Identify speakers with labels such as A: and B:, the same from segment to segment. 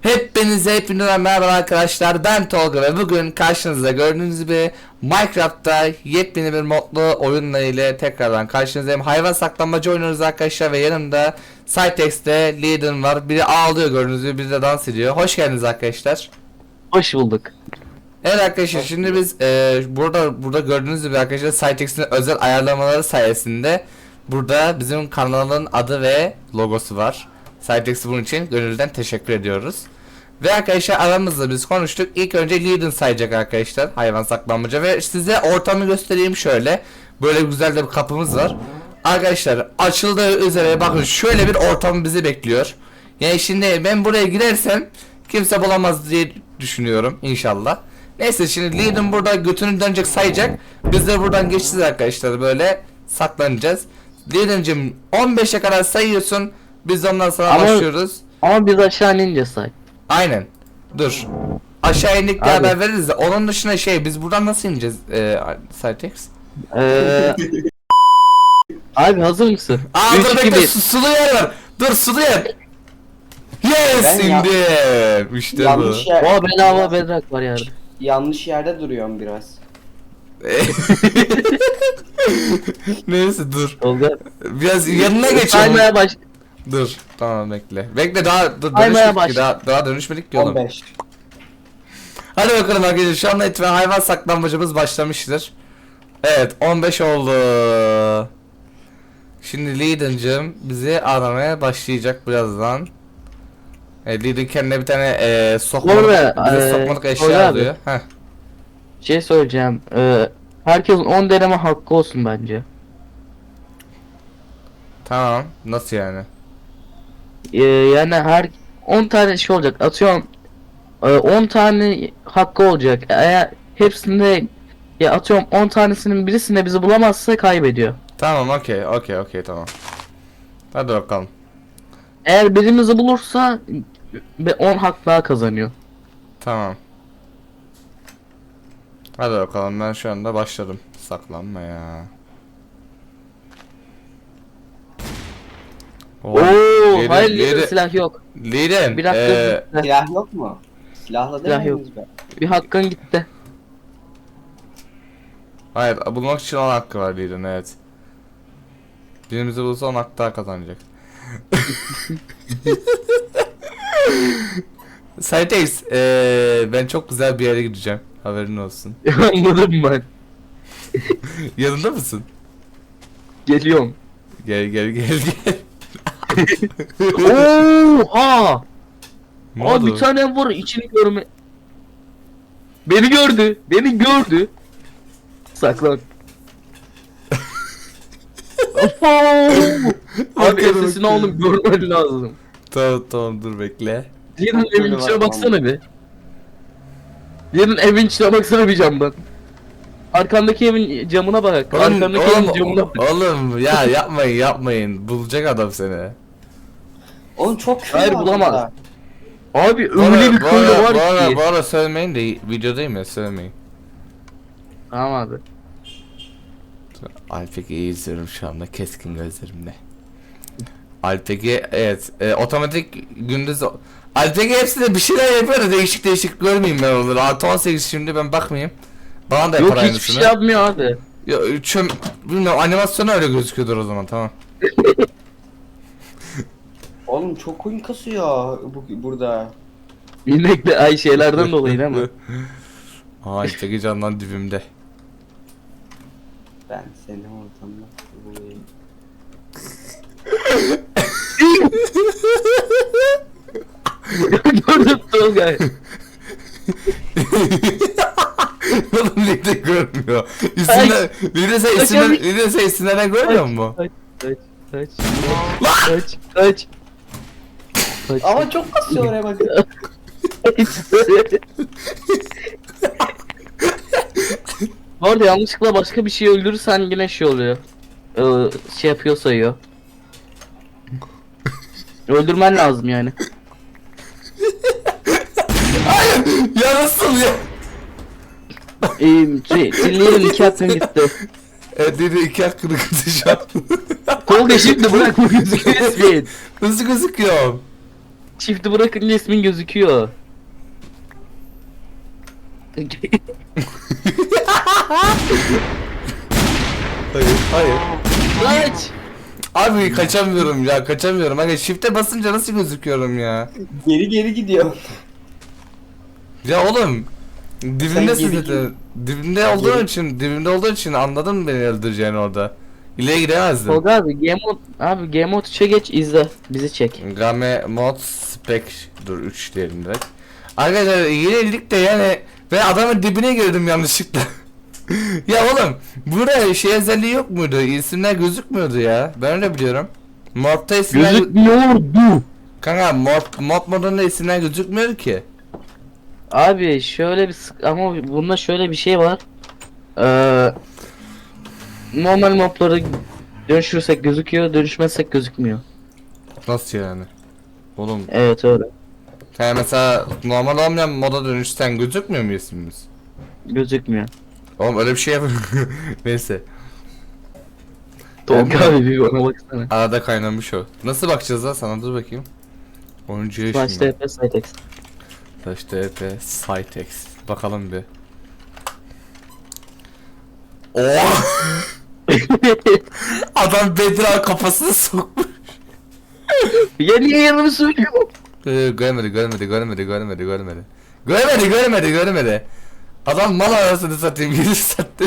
A: Hepinize merhaba arkadaşlar, ben Tolga ve bugün karşınızda gördüğünüz gibi Minecraft'ta yepyeni bir modlu oyunla ile tekrardan karşınızdayım. Hayvan saklanmacı oynuyoruz arkadaşlar ve yanımda Cytex'te Leaden var. Biri ağlıyor gördüğünüz gibi, biri de dans ediyor. Hoş geldiniz arkadaşlar.
B: Hoş bulduk.
A: Evet arkadaşlar, şimdi biz burada gördüğünüz gibi arkadaşlar Cytex'in özel ayarlamaları sayesinde burada bizim kanalın adı ve logosu var. Cytex'e bunun için gönülden teşekkür ediyoruz. Ve arkadaşlar aramızda biz konuştuk. İlk önce Leaden sayacak arkadaşlar, hayvan saklanmaca, ve size ortamı göstereyim şöyle. Böyle güzel de bir kapımız var. Arkadaşlar açıldığı üzere bakın, şöyle bir ortam bizi bekliyor. Yani şimdi ben buraya girersem kimse bulamaz diye düşünüyorum inşallah. Neyse, şimdi Leaden burada götünü dönecek, sayacak. Biz de buradan geçeceğiz arkadaşlar, böyle saklanacağız. Leaden'cim 15'e kadar sayıyorsun. Biz de ondan sonra başlıyoruz.
B: Ama biz aşağı inince say.
A: Aynen. Dur. Aşağı indik diye
B: Abi.
A: haber veririz de onun dışında biz buradan nasıl ineceğiz Cytex?
B: Abi hazır mısın?
A: Aa
B: 3,
A: dur
B: 2,
A: bekle,
B: 1.
A: sulu yer var. Dur, sulu yer. Yes,
C: Ben ya-
A: indim. İşte bu.
C: Yanlış yer,
B: Oha, bedava bedrak var yerde.
C: yanlış yerde duruyorum biraz.
A: Neyse dur.
B: Tolga.
A: Biraz yanına geçelim.
B: Saymaya baş.
A: Dur. Tamam, bekle. Bekle, daha
B: Saymaya
A: dönüşmedik ki.
B: başla.
A: Daha dönüşmedik ki oğlum.
C: 15.
A: Hadi bakalım arkadaşlar, şu anda itibaren hayvan saklanmacımız başlamıştır. Evet, 15 oldu. Şimdi Leaden'cım bizi aramaya başlayacak birazdan. Leaden kendine bir tane sokmalık,
B: Orada,
A: bize sokmalık eşya
B: Tolga abi.
A: alıyor. Heh.
B: Şey söyleyeceğim. Herkesin 10 deneme hakkı olsun bence.
A: Tamam, nasıl yani?
B: Yani her 10 tane şey olacak. Atıyorum 10 tane hakkı olacak. Eğer hepsinde ya atıyorum 10 tanesinin birisinde bizi bulamazsa kaybediyor.
A: Tamam, okey, tamam. Hadi bakalım.
B: Eğer birimizi bulursa 10 hak daha kazanıyor.
A: Tamam. Hadi bakalım, ben şu anda başladım saklanmaya.
B: Oo,
A: Leaden-
B: hayır
A: Leaden-
B: silah yok.
A: Leaden,
B: Bir dakika.
C: Silah yok mu? Silahla
B: Silah
C: değil
B: yok.
C: miyiz be?
B: Bir hakkın gitti.
A: hayır, bulmak için 10 hakkı var Leaden, evet. Birimizi bulursa 10 hak daha kazanacak. Cytex, ben çok güzel bir yere gideceğim. Haberin olsun.
B: Anladım ben.
A: Yanında mısın?
B: Geliyorum.
A: Gel.
B: Oha!
A: Ne
B: Aa,
A: oldu?
B: bir tane var içini görme. Beni gördü. Saklan. Abi
A: Bakıyorum,
B: sesini oğlum görmen lazım.
A: Tamam, dur bekle.
B: Diğerinin evin
C: Böyle
B: içine
C: var,
B: baksana bir. Diğerinin evin içine baksana bir camdan. Arkandaki evin camına bak. Arkandaki evin camına bak.
A: Oğlum ya, yapmayın. Bulacak adam seni.
C: Oğlum çok kötü
B: Hayır,
C: var
B: bulamaz.
C: burada.
B: Abi öyle bir köylü var ki.
A: Bu ara söylemeyin de, videodayım ya, söylemeyin.
B: Tamam abi.
A: Alpek'i izliyorum şu anda keskin gözlerimle. Alpek'i, evet, otomatik gündüz Alpek'i hepsinde bir şeyler yapıyor da değişik görmeyeyim ben onları. Artı 18 şimdi, ben bakmayayım. Bana da yapar
B: Yok hiçbir
A: aynısını.
B: şey yapmıyor abi.
A: Ya, bilmiyorum, animasyonu öyle gözüküyordur o zaman, tamam.
C: Oğlum çok oyun kasıyor burada.
B: İnekli ay şeylerden dolayı değil mi?
A: Aa, Alpek'i candan dibimde.
C: Ben seni ortamda bulayım.
B: Gördüm Tolga.
A: Oğlum Lide görmüyor.
B: Ay.
A: Lide sen isimlerden görmüyor musun?
B: Kaç.
C: Ama çok kasıyor oraya bakın.
B: Bu arada yanlışlıkla başka bir şey öldürürsen yine şey oluyor. Şey yapıyor sayıyor. Öldürmen lazım yani.
A: Ya nasıl ya?
B: Dinleyelim 2 hakkın gitti.
A: Dedi 2 hakkını kızı şu an.
B: Tolga şimdi bırak bu gözü kesmeyin.
A: Nasıl gözüküyor?
B: Çifti bırakınca ismin gözüküyor.
A: Hayır.
B: Kaç.
A: Abi kaçamıyorum ya, kaçamıyorum. Hani shift'e basınca nasıl gözüküyorum ya?
C: Geri geri gidiyor.
A: Ya oğlum dibimde
C: Sen geri
A: zaten. Dibimde olduğu için anladın beni öldüreceğini orada. İleri gidemezdim.
B: Tolga abi Game Mode 3'e geç izle. Bizi çek.
A: Game mod spec dur 3 diyelim direkt. Arkadaşlar yenildik de yani ben adamın dibine girdim yanlışlıkla. Ya oğlum burada şey özelliği yok muydu? İsimler gözükmüyordu ya. Ben öyle biliyorum. Modda isimler
B: Gözükmüyordu.
A: Kanka mod modunda isimler gözükmüyor ki.
B: Abi şöyle bir ama bunda şöyle bir şey var. Normal mobları dönüşürsek gözüküyor, dönüşmezsek gözükmüyor.
A: Nasıl yani? Oğlum
B: Evet öyle.
A: yani mesela normal olmayan moda dönüşten gözükmüyor mu ismimiz?
B: Gözükmüyor.
A: Oğlum öyle bir şey yap. Neyse.
B: Tolga
A: Ben-
B: abi bir bana baksana.
A: Arada kaynamış o. Nasıl bakacağız lan sana, dur bakayım. Oyuncuya
B: Slash
A: şimdi.
B: TP Sitex.
A: Slash TP Sitex. Bakalım bir. Oh! Adam Bedra kafasını sokmuş.
B: Ya niye yanımı söylüyor?
A: Görmedi. Adam mal arasını satayım 7 saattir.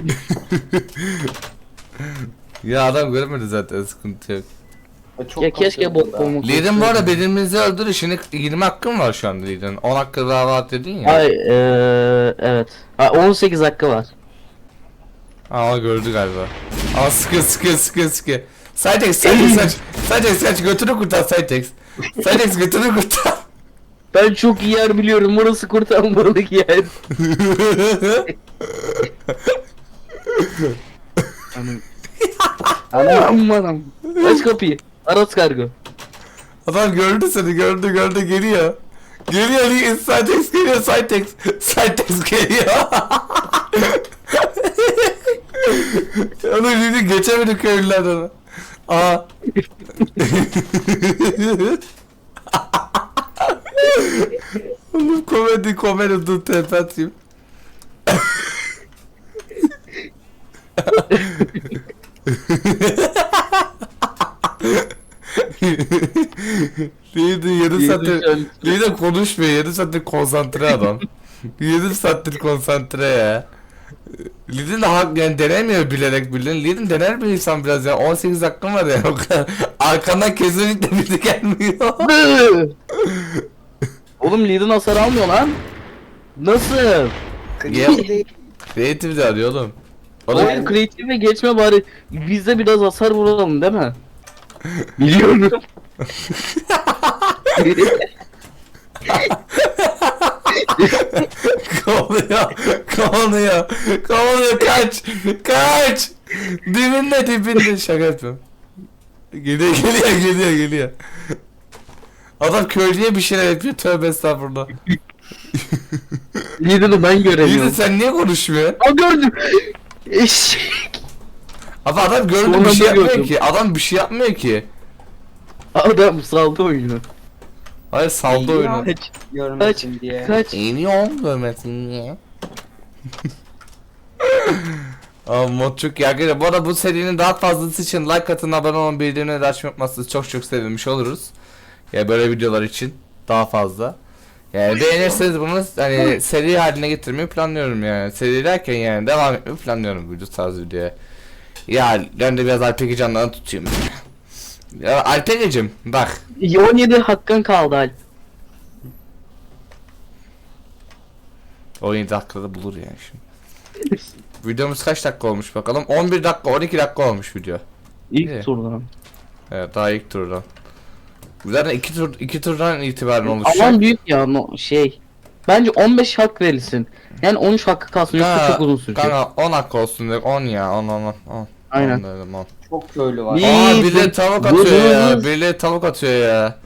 A: Ya adam görmedi zaten, sıkıntı yok.
C: Çok
B: Ya keşke
C: kasıyor
B: bot
C: burada.
B: olmak.
A: Lidin bu arada birbirimizi öldür işini 20 hakkın var şu anda Lidin. 10 hakkı daha var dedin ya.
B: Ay evet. Ha, 18 hakkı var.
A: Ama gördü galiba. Ama sıkı. Cytex kaç götünü kurtar Cytex. Cytex götünü kurtar.
B: Ben çok iyi yer biliyorum. Burası kurtarmalık yer. Anam. Aç kapıyı. Aras kargo.
A: Adam gördü seni, gördü geliyor. Geliyor Cytex geliyor Cytex geliyor. Onu şimdi geçemedi köylülerden onu. Aa. Oğlum komedi dur tepe atayım. Neydi 7 saattir Neydi konuşmuyor 7 saattir konsantre adam. 7 saattir konsantre ya. Lidin de hak yani denemiyor bilerek bilin. Lidin dener bir insan biraz ya. 18 hakkım var ya o kadar. Arkandan kesinlikle biri gelmiyor.
B: Oğlum Lidin hasar almıyor lan. Nasıl?
A: Creative de arıyor oğlum.
B: Oğlum kreatife geçme bari. Biz de biraz hasar vuralım değil mi? Biliyorum.
A: Kovalıyor kaç dibinde şaka yapıyorum. Geliyor. Adam köylüye bir şeyler yapıyor, tövbe estağfurullah.
B: Lidin'i ben
A: Lidin
B: göremiyorum.
A: sen niye konuşmuyorsun?
B: Aa gördüm. Eşek.
A: Adam gördü
B: Sonra
A: bir şey
B: da
A: yapmıyor
B: gördüm.
A: ki. Adam bir şey yapmıyor ki.
B: Adam saldı oyunu.
A: Hayır saldı oyunu.
B: Kaç.
C: Görmesin diye.
B: Kaç.
A: İniyorum görmesin diye. Aa, mod çok iyi arkadaşlar. Bu arada bu serinin daha fazlası için like atın, abone olun, bildirimleri de açmayı unutmazsanız çok sevinmiş oluruz. Ya böyle videolar için daha fazla. Yani beğenirseniz bunu hani seri haline getirmeyi planlıyorum yani. Seri derken yani devam etmeyi planlıyorum bu tarz videoya. Ya ben de biraz Alpeki canlarını tutayım. Ya Alpeki'cim bak.
B: 17 hakkın kaldı Alp.
A: 17 dakikada bulur yani şimdi. Videomuz kaç dakika olmuş bakalım? 11 dakika 12 dakika olmuş video.
B: İlk
A: İyi.
B: turdan.
A: Evet daha ilk turdan. Zaten iki turdan itibaren oluşacak.
B: Alan büyük ya şey. Bence 15 hak verilsin. Yani 13 hakkı kalsın yoksa çok uzun sürecek.
A: Kanka 10 dakika olsun dedik 10 ya 10.
B: Aynen.
A: 10 dedim 10.
C: Çok köylü var.
B: Niye?
A: Aa
B: İyi,
A: birileri
B: dur.
A: tavuk
B: Dur,
A: atıyor
B: dur,
A: ya.
B: dur.
A: Birileri tavuk atıyor ya.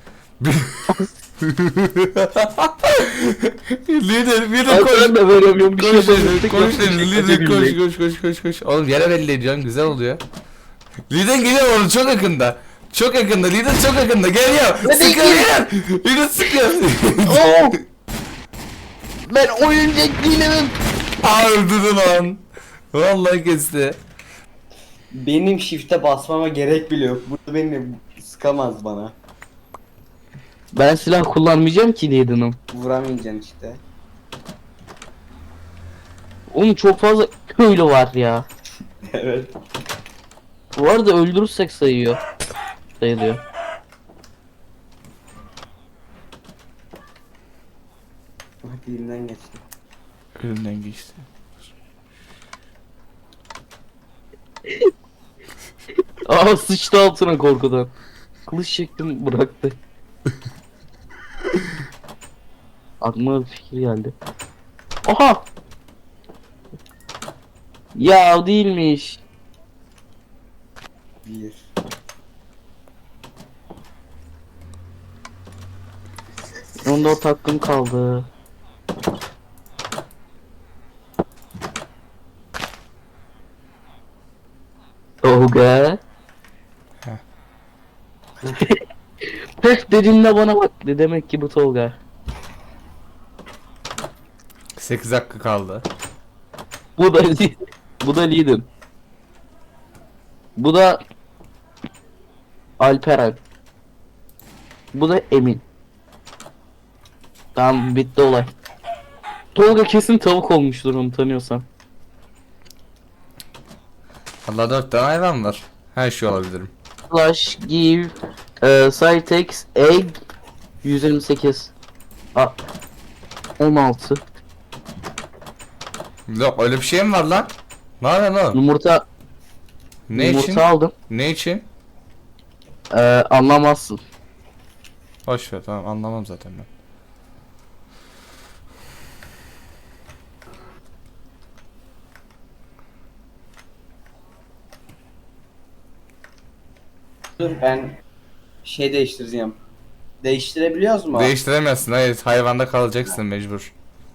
A: Lider
B: Ay,
A: koş.
B: ben de veremiyorum bir şey
A: Koş
B: yapamıyorum.
A: lider koş. Oğlum yere belli ediyorsun güzel oluyor. Lider geliyor onu çok yakında. Çok yakında, lider çok yakında. Geliyor. Sıkıyor. Lider sıkıyor.
B: Oo! Ben oyuncak değilim.
A: Öldürdü lan. Vallahi kesti.
C: Benim shift'e basmama gerek bile yok. Burada beni sıkamaz bana.
B: Ben silah kullanmayacağım ki Liden'ım.
C: Vuramayacaksın işte.
B: Oğlum çok fazla köylü var ya.
C: Evet.
B: Bu arada öldürürsek sayıyor. Sayılıyor.
C: Hadi elimden geçti.
A: Önünden geçti.
B: Aa sıçtı altına korkudan. Kılıç çektim bıraktı. Aklıma bir fikir geldi. Aha! Ya değilmiş.
C: Bir.
B: Onda o hakkım kaldı. Tolga. Pek dediğinde bana bak. Demek ki bu Tolga.
A: 8 dakika kaldı.
B: Bu da bu da Liden. Bu da Alperen. Bu da Emin. Tamam bitti olay. Tolga kesin tavuk olmuştur onu tanıyorsam.
A: Allah 4 tane hayvan var. Her şey olabilirim.
B: Flash give Cytex egg 128 16
A: Yok öyle bir şey mi var lan? Ne yapıyorsun oğlum?
B: yumurta
A: Ne
B: yumurta
A: için?
B: aldım.
A: Ne için?
B: Anlamazsın.
A: Boş ver, tamam, anlamam zaten ben.
C: Dur ben şey değiştireceğim. Değiştirebiliyoruz mu?
A: Değiştiremezsin, hayır, hayvanda kalacaksın mecbur.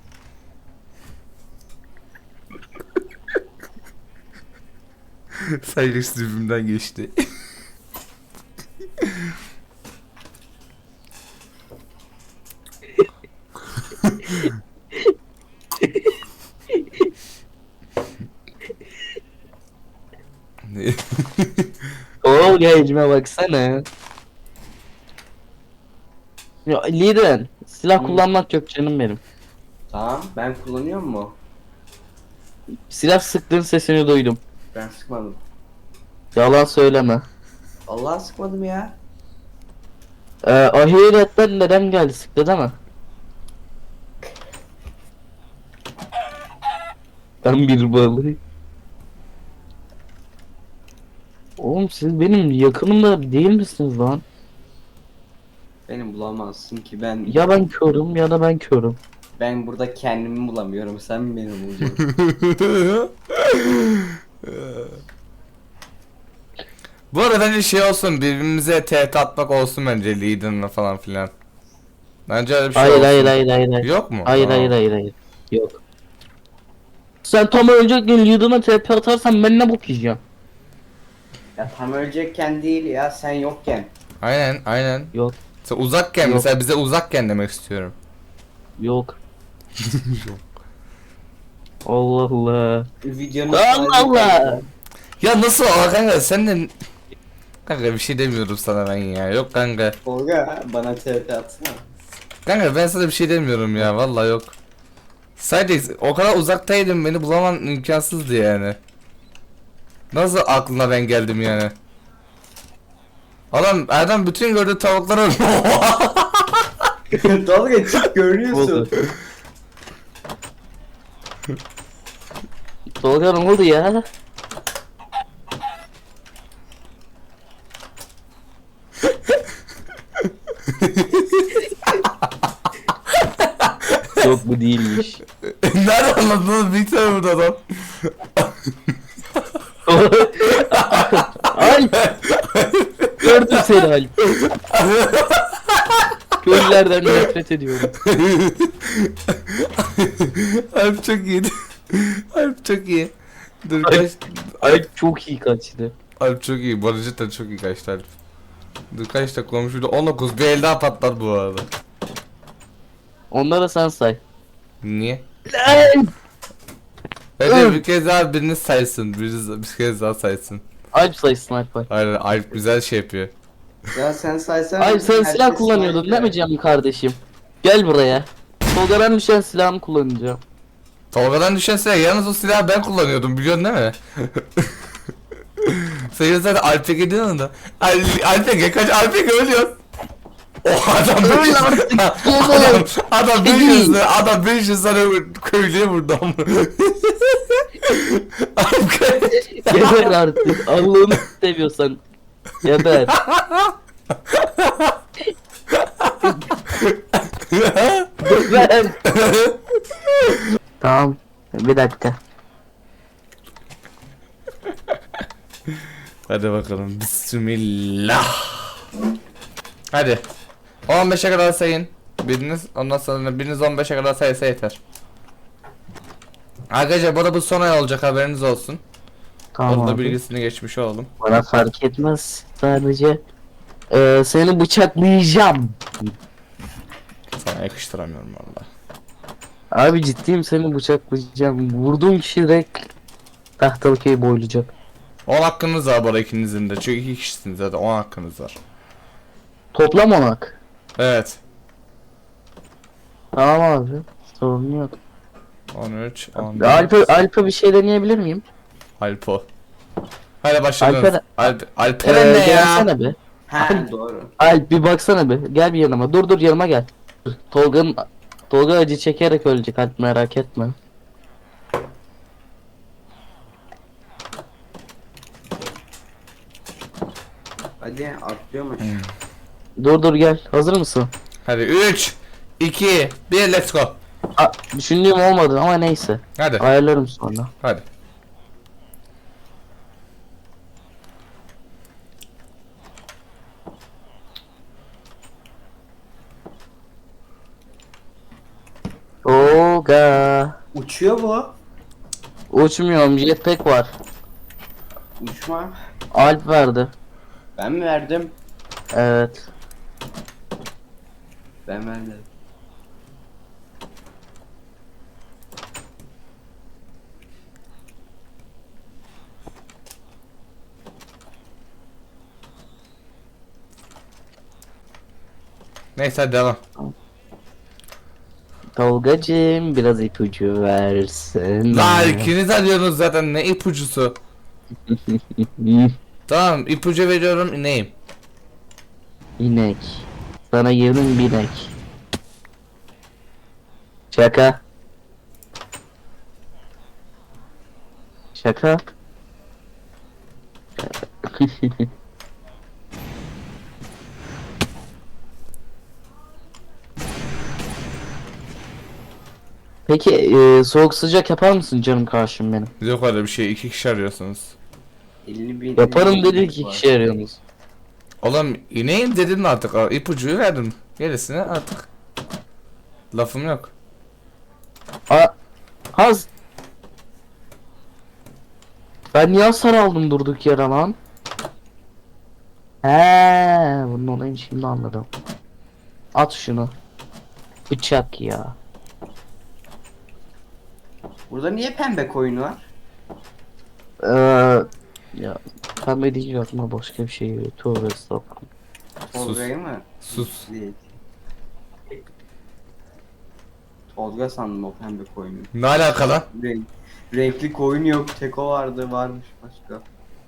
A: Sayılırsız dibimden geçti.
B: Tolga ecime baksana. Ya Liden silah
C: Hı.
B: kullanmak yok canım benim.
C: Tamam ben kullanıyor mu?
B: Silah sıktığın sesini duydum.
C: Ben sıkmadım.
B: Yalan söyleme.
C: Allah sıkmadım ya.
B: Ahiretten neden geldi sıktı değil mi? Ben bir balığı. Oğlum siz benim yakınımda değil misiniz lan?
C: Beni bulamazsın ki ben.
B: Ya ben körüm ya da ben körüm.
C: Ben burada kendimi bulamıyorum. Sen mi beni bulacaksın?
A: Bu arada bence şey olsun, birbirimize tehdit atmak olsun bence, Liden'la falan filan. Bence öyle bir şey
B: Hayır
A: olsun.
B: hayır hayır hayır hayır.
A: Yok mu?
B: Hayır
A: Aa.
B: hayır hayır hayır. Yok. Sen tam ölecekken Liden'a TP atarsan ben ne bok yiyeceğim?
C: Ya tam ölecekken değil ya sen yokken.
A: Aynen aynen.
B: Yok
A: Sen uzakken,
B: Yok.
A: mesela bize uzakken demek istiyorum.
B: yok. Allah Allah.
C: Videonun
B: Allah Allah.
A: Ya nasıl kanka, sen de... Kanka bir şey demiyorum sana ben ya. Yok kanka.
C: Tolga bana TP atsana.
A: Kanka ben sana bir şey demiyorum ya, vallahi yok. Sadece o kadar uzaktaydım, beni bulaman imkansızdı yani. Nasıl aklına ben geldim yani? Adam bütün gördüğü tavukları...
C: Tolga çık görünüyorsun.
B: Oldu. Tolga ne oldu ya? Yok bu değilmiş.
A: Nerede anladınız? Bir tane burada adam.
B: Alp! Gördüm seni Alp. Köylülerden nefret ediyorum.
A: Alp çok iyiydi. Alp çok iyi. Dur
B: Alp-
A: kaç.
B: Alp çok iyi kaçtı.
A: Alp çok iyi. Bu arada cidden çok iyi kaçtı Alp. Dur kaç dakika olmuş burada? 19. Bir el daha patlar bu arada.
B: Onları sen say.
A: Niye?
B: Lan!
A: Hadi bir kez daha biriniz saysın. Biriniz bir kez daha saysın.
B: Alp sayısın Alp.
A: Hayır Alp güzel şey yapıyor.
C: Ya sen saysan.
B: Alp sen
C: herkes
B: silah kullanıyordun
C: say
B: değil mi
C: ya.
B: canım kardeşim? Gel buraya. Tolga'dan düşen silahımı kullanacağım.
A: Tolga'dan düşen silah yalnız o silahı ben kullanıyordum biliyorsun değil mi? Sen zaten Alp'e gidiyorsun da. Alp'e kaç Alp'e ölüyor. O adam
B: Öl
A: 500
B: artık,
A: adam
B: Kedi.
A: 500 tane köylüye vurdu ama. Alp
B: Geber artık. Allah'ını seviyorsan. Geber. Geber. Tamam. Bir dakika.
A: Hadi bakalım. Bismillah. Hadi. 15'e kadar sayın. Biriniz ondan sonra biriniz 15'e kadar saysa yeter. Arkadaşlar bu da bu son ay olacak haberiniz olsun.
B: Tamam
A: Onun da
B: abi.
A: bilgisini geçmiş olalım.
B: Bana fark etmez. Sadece seni bıçaklayacağım.
A: Sana yakıştıramıyorum valla.
B: Abi ciddiyim, seni bıçaklayacağım. Vurduğun kişi direkt tahtalı köyü boylayacak.
A: 10 hakkınız var bu arada ikinizin de. Çünkü 2 kişisiniz zaten 10 hakkınız var.
B: Toplam onak.
A: Evet.
B: Tamam abi. Sorun yok.
A: 13, 14.
B: Alp'e bir şey deneyebilir miyim?
A: Alpo. Hadi başladınız.
B: Alperen
A: ne ya?
B: gelsene be.
C: Ha doğru.
B: Alp bir baksana be. Gel bir yanıma. Dur yanıma gel. Tolga acı çekerek ölecek Alp, merak etme.
C: Hadi atlıyormuş.
B: Dur gel. Hazır mısın?
A: Hadi 3, 2, 1 let's go.
B: Düşündüğüm olmadı ama neyse.
A: Hadi.
B: Ayarlarım sonra.
A: Hadi.
B: Tolga.
C: Uçuyor bu.
B: Uçmuyorum, jetpack var.
C: Uçma.
B: Alp verdi.
C: Ben mi verdim?
B: Evet.
C: Ben vermedim.
A: Neyse hadi devam.
B: Tolgacığım biraz ipucu versin.
A: La ikiniz arıyorsunuz zaten ne ipucusu. Tamam ipucu veriyorum neyim?
B: İnek. Sana girdim binek. Şaka. Şaka. Peki soğuk sıcak yapar mısın canım karşım benim?
A: Yok öyle bir şey 2 kişi arıyorsunuz.
C: 50.000.
B: Yaparım dedi ki kişi arıyorsunuz.
A: Oğlum ineyim dedim mi artık ipucuyu verdim. Gerisine artık. Lafım yok.
B: Haz. Ben niye hasar aldım durduk yere lan? He, bunun olayını şimdi anladım. At şunu. Bıçak ya.
C: Burada niye pembe koyun var?
B: Ya pembe deyince aklıma başka bir şey geliyor. Tövbe estağfurullah.
C: Tolga'yı mı?
A: Sus.
C: Değil. Tolga sandım o pembe koyunu.
A: Ne alaka lan?
C: Renkli koyun yok. Tek o vardı. Varmış başka.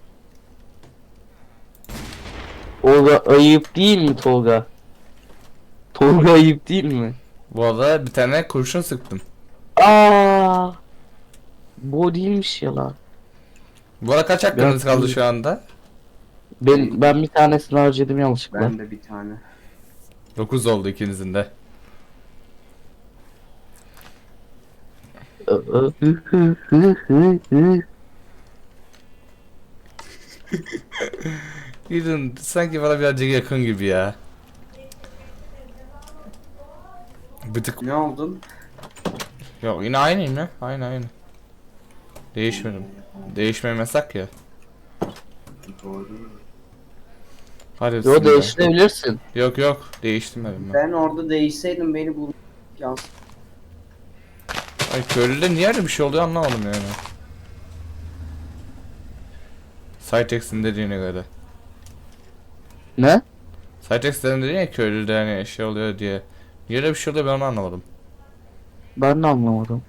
B: Tolga ayıp değil mi Tolga? Tolga ayıp değil mi?
A: Bu arada bir tane kurşun sıktım.
B: Aa, bu değilmiş ya lan.
A: Bu arada kaç hakkınız
B: Biraz-
A: kaldı şu anda?
B: Ben bir tanesini harcadım yanlışlıkla.
C: Ben de bir tane.
A: 9 oldu ikinizin de. Gidin sanki bana birazcık yakın gibi ya. Bir tık
C: Ne oldun?
A: yok yine aynıyım ya. Aynı. Değişmedim. Değişmem yasak ya.
C: Doğru.
A: Hadi
B: Yo
A: bismillah.
B: değiştirebilirsin.
A: Yok yok değiştirmedim ben.
C: Ben orada değişseydim beni bul. Yans.
A: Ay köylüde niye öyle bir şey oluyor anlamadım yani. Cytex'in dediğine göre.
B: Ne?
A: Cytex'lerin dediği ya köylüde hani şey oluyor diye. Niye öyle bir şey oluyor ben onu anlamadım.
B: Ben de anlamadım.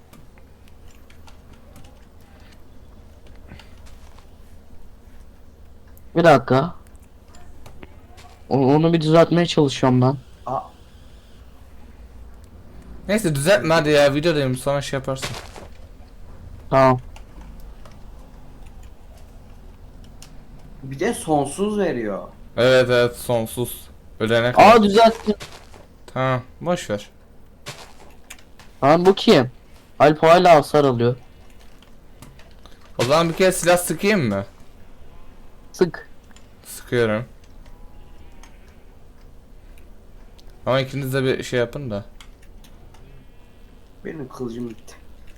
B: Bir dakika. Onu bir düzeltmeye çalışıyorum ben.
C: Aa,
A: Neyse düzeltme hadi ya videodayım sonra şey yaparsın.
B: Tamam.
C: bir de sonsuz veriyor.
A: Evet evet sonsuz. Ölene kadar.
B: Aa düzelttim.
A: Tamam boş ver.
B: Lan bu kim? Alp hala hasar alıyor.
A: O zaman bir kere silah sıkayım mı?
B: Sık.
A: Sıkıyorum. Ama ikiniz de bir şey yapın da.
C: Benim kılıcım bitti.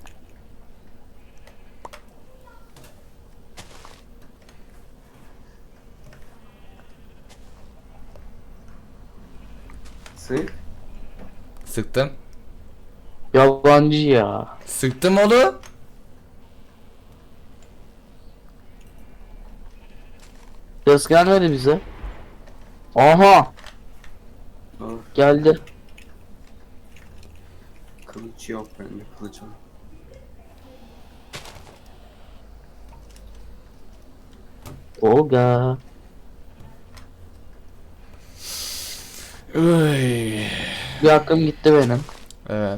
C: Sık.
A: Sıktım.
B: Yabancı ya.
A: Sıktım oğlum.
B: Ses gelmedi bize. Aha
C: Dur,
B: geldi.
C: kılıç yok bende kılıç var.
B: Olga.
A: Uy.
B: Bir hakkım gitti benim.
A: Evet.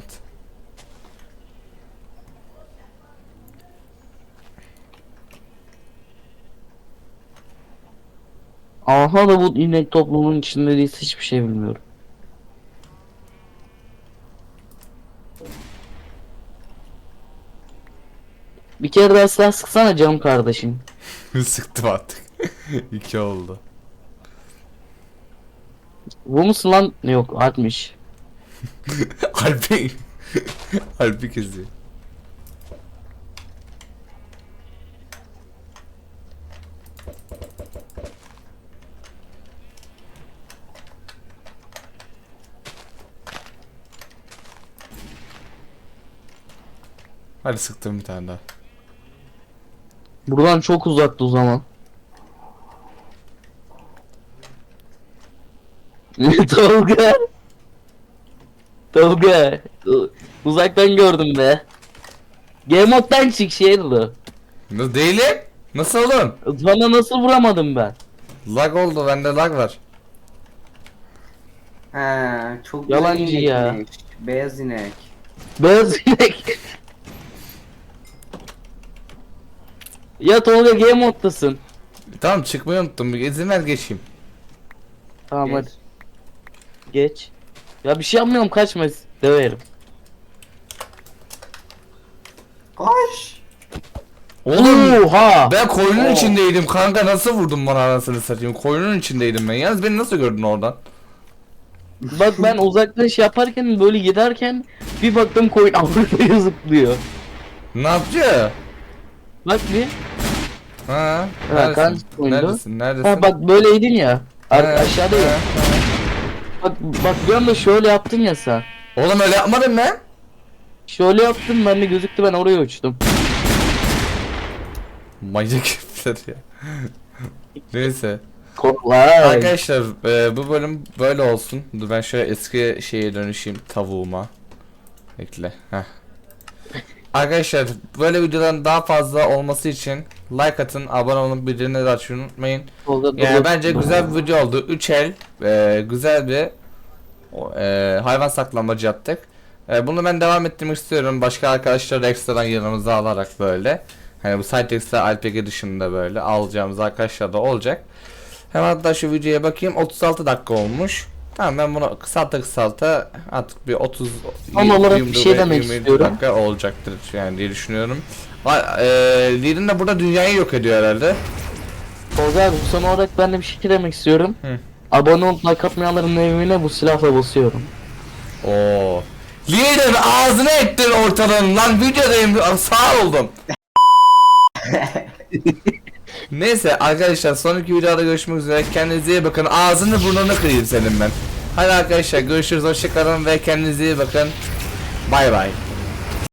B: Aha da bu inek toplumunun içinde değilse hiçbir şey bilmiyorum. Bir kere daha silah sıksana canım kardeşim.
A: Sıktım artık. İki oldu.
B: Bu musun lan? Yok Alp'miş.
A: Alpi. Alpi kızı. Hadi sıktım bir tane daha.
B: Buradan çok uzaktı o zaman. Tolga. Tolga. Uzaktan gördüm be. Game mode'dan çık şey oldu.
A: Nasıl değilim? Nasıl oğlum?
B: Sana nasıl vuramadım ben?
A: Lag oldu bende lag var.
C: He, çok
B: Yalancı
C: güzel inek
B: ya.
C: inek. Beyaz inek.
B: Beyaz inek. Ya Tolga game moddasın.
A: Tamam çıkmayı unuttum. Bir izin ver geçeyim.
B: Tamam
C: Geç.
B: hadi. Geç. Ya bir şey yapmıyorum kaçma. Döverim.
C: Koş.
A: Oğlum
B: Oha.
A: ben koyunun
C: Oo.
A: içindeydim kanka nasıl vurdun bana anasını satayım. Koyunun içindeydim ben. Yalnız beni nasıl gördün oradan?
B: Bak ben uzaktan şey yaparken böyle giderken bir baktım koyun Avrupa'ya zıplıyor.
A: Ne yapıyor?
B: Bak bir.
A: Ha?
B: Ha, kan
A: Neredesin?
B: koyundu.
A: Neredesin? Neredesin?
B: Ha bak böyleydin ya.
A: Ha,
B: Aşağıda ya.
A: ha.
B: Bak bir anda şöyle yaptın ya sen.
A: Oğlum öyle yapmadım ben.
B: Şöyle yaptım ben de gözüktü ben oraya uçtum.
A: Manyak herifler ya. Neyse.
B: Kolay.
A: Arkadaşlar bu bölüm böyle olsun. Dur ben şöyle eski şeye dönüşeyim tavuğuma. Bekle. Heh. Arkadaşlar böyle videoların daha fazla olması için like atın, abone olun, bildirimleri de açmayı unutmayın. Yani bence güzel bir video oldu. 3 el güzel bir hayvan saklamacı yaptık. Bunu ben devam ettirmek istiyorum. Başka arkadaşları da ekstradan yanımıza alarak böyle. Hani bu Cytex'te Alpege dışında böyle alacağımız arkadaşlar da olacak. Hemen hatta şu videoya bakayım. 36 dakika olmuş. Tamam ben bunu kısalta artık bir 30
B: Son olarak bir şey demek
A: 20
B: istiyorum.
A: dakika olacaktır yani diye düşünüyorum. Lirin de burada dünyayı yok ediyor herhalde.
B: Tolga abi son olarak ben de bir şey demek istiyorum.
A: Hı.
B: Abone olup like atmayanların evine bu silahla basıyorum.
A: Oo. Lirin ağzına ettin ortalığın lan videodayım sağ oldum. Neyse arkadaşlar, sonraki videoda görüşmek üzere. Kendinize iyi bakın. Ağzını burnunu kırayım senin ben. Hadi arkadaşlar görüşürüz. Hoşçakalın ve kendinize iyi bakın. Bay bay.